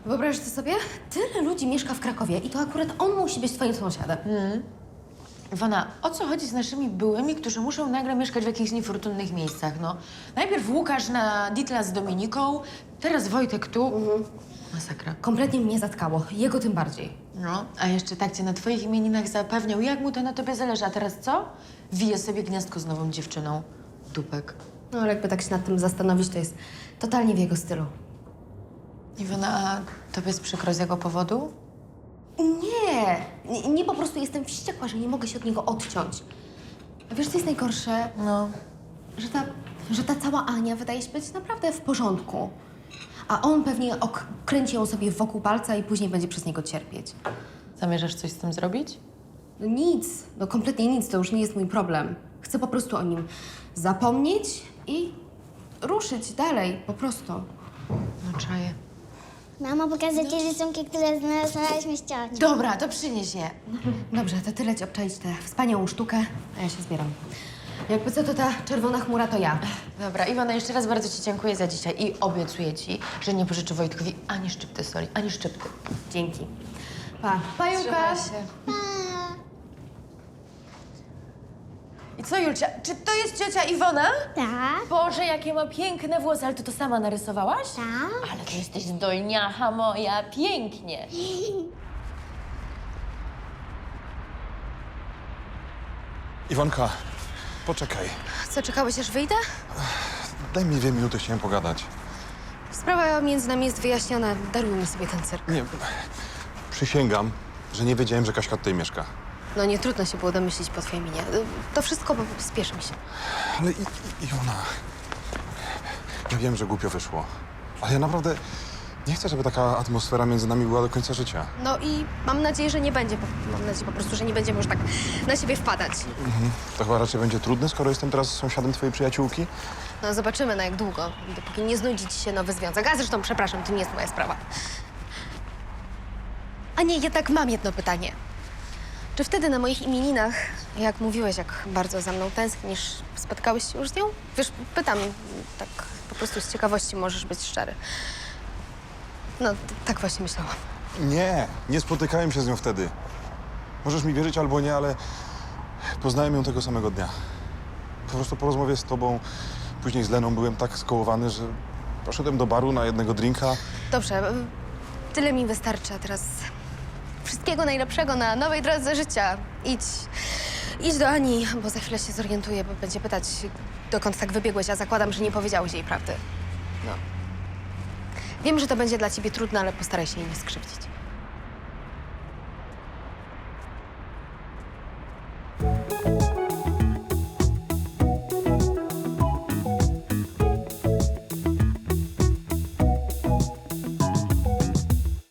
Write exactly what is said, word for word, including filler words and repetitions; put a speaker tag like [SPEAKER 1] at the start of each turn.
[SPEAKER 1] Wyobraź to sobie? Tyle ludzi mieszka w Krakowie i to akurat on musi być twoim sąsiadem.
[SPEAKER 2] Iwona, o co chodzi z naszymi byłymi, którzy muszą nagle mieszkać w jakichś niefortunnych miejscach, no? Najpierw Łukasz na Ditla z Dominiką, teraz Wojtek tu.
[SPEAKER 1] Mhm.
[SPEAKER 2] Masakra.
[SPEAKER 1] Kompletnie mnie zatkało, jego tym bardziej.
[SPEAKER 2] No, a jeszcze tak cię na twoich imieninach zapewniał, jak mu to na tobie zależy, a teraz co? Wije sobie gniazdko z nową dziewczyną. Dupek.
[SPEAKER 1] No ale jakby tak się nad tym zastanowić, to jest totalnie w jego stylu.
[SPEAKER 2] Iwona, a tobie jest przykro z jego powodu?
[SPEAKER 1] Nie, nie, nie po prostu jestem wściekła, że nie mogę się od niego odciąć. A wiesz, co jest najgorsze?
[SPEAKER 2] No.
[SPEAKER 1] Że ta, że ta cała Ania wydaje się być naprawdę w porządku. A on pewnie ok- kręci ją sobie wokół palca i później będzie przez niego cierpieć.
[SPEAKER 2] Zamierzasz coś z tym zrobić?
[SPEAKER 1] No nic, no kompletnie nic, to już nie jest mój problem. Chcę po prostu o nim zapomnieć i ruszyć dalej, po prostu.
[SPEAKER 2] No czaję.
[SPEAKER 3] Mamo, pokażę ci rysunki, które znalazłyśmy z ciocią.
[SPEAKER 2] Dobra, to przynieś je.
[SPEAKER 1] Dobrze, to ty leć obczaić tę wspaniałą sztukę, a ja się zbieram. Jakby co, to ta czerwona chmura to ja.
[SPEAKER 2] Dobra, Iwona, jeszcze raz bardzo ci dziękuję za dzisiaj i obiecuję ci, że nie pożyczę Wojtkowi ani szczypty soli, ani szczypty.
[SPEAKER 1] Dzięki. Pa. Pa, Julka.
[SPEAKER 2] I co, Julcia, czy to jest ciocia Iwona?
[SPEAKER 3] Tak,
[SPEAKER 2] Boże, jakie ma piękne włosy, ale ty to sama narysowałaś?
[SPEAKER 3] tak.
[SPEAKER 2] Ale to jesteś zdolniacha moja, pięknie.
[SPEAKER 4] Iwonka, poczekaj.
[SPEAKER 1] Co, czekałeś aż wyjdę?
[SPEAKER 4] Daj mi dwie minuty, chciałem pogadać.
[SPEAKER 1] Sprawa między nami jest wyjaśniona. Darujmy sobie ten cyrk.
[SPEAKER 4] Nie, przysięgam, że nie wiedziałem, że Kaśka tutaj mieszka.
[SPEAKER 1] No nie trudno się było domyślić po twojej minie. To wszystko, bo spieszy mi się.
[SPEAKER 4] Ale i, i, Iwona, ja wiem, że głupio wyszło, ale ja naprawdę nie chcę, żeby taka atmosfera między nami była do końca życia.
[SPEAKER 1] No i mam nadzieję, że nie będzie. po- Mam nadzieję po prostu, że nie będziemy już tak na siebie wpadać.
[SPEAKER 4] To chyba raczej będzie trudne, skoro jestem teraz sąsiadem twojej przyjaciółki.
[SPEAKER 1] No zobaczymy na jak długo, dopóki nie znudzi ci się nowy związek. A zresztą, przepraszam, to nie jest moja sprawa. A nie, jednak mam jedno pytanie. Czy wtedy na moich imieninach, jak mówiłeś, jak bardzo za mną tęsknisz, spotkałeś się już z nią? Wiesz, pytam, tak po prostu z ciekawości możesz być szczery. No, t- tak właśnie myślałam.
[SPEAKER 4] Nie, nie spotykałem się z nią wtedy. Możesz mi wierzyć albo nie, ale poznałem ją tego samego dnia. Po prostu po rozmowie z tobą, później z Leną byłem tak skołowany, że poszedłem do baru na jednego drinka.
[SPEAKER 1] Dobrze, y, tyle mi wystarczy, a teraz wszystkiego najlepszego na nowej drodze życia. Idź, idź do Ani, bo za chwilę się zorientuję, bo będzie pytać, dokąd tak wybiegłeś, a zakładam, że nie powiedziałeś jej prawdy. No. Wiem, że to będzie dla ciebie trudne, ale postaraj się jej nie skrzywdzić.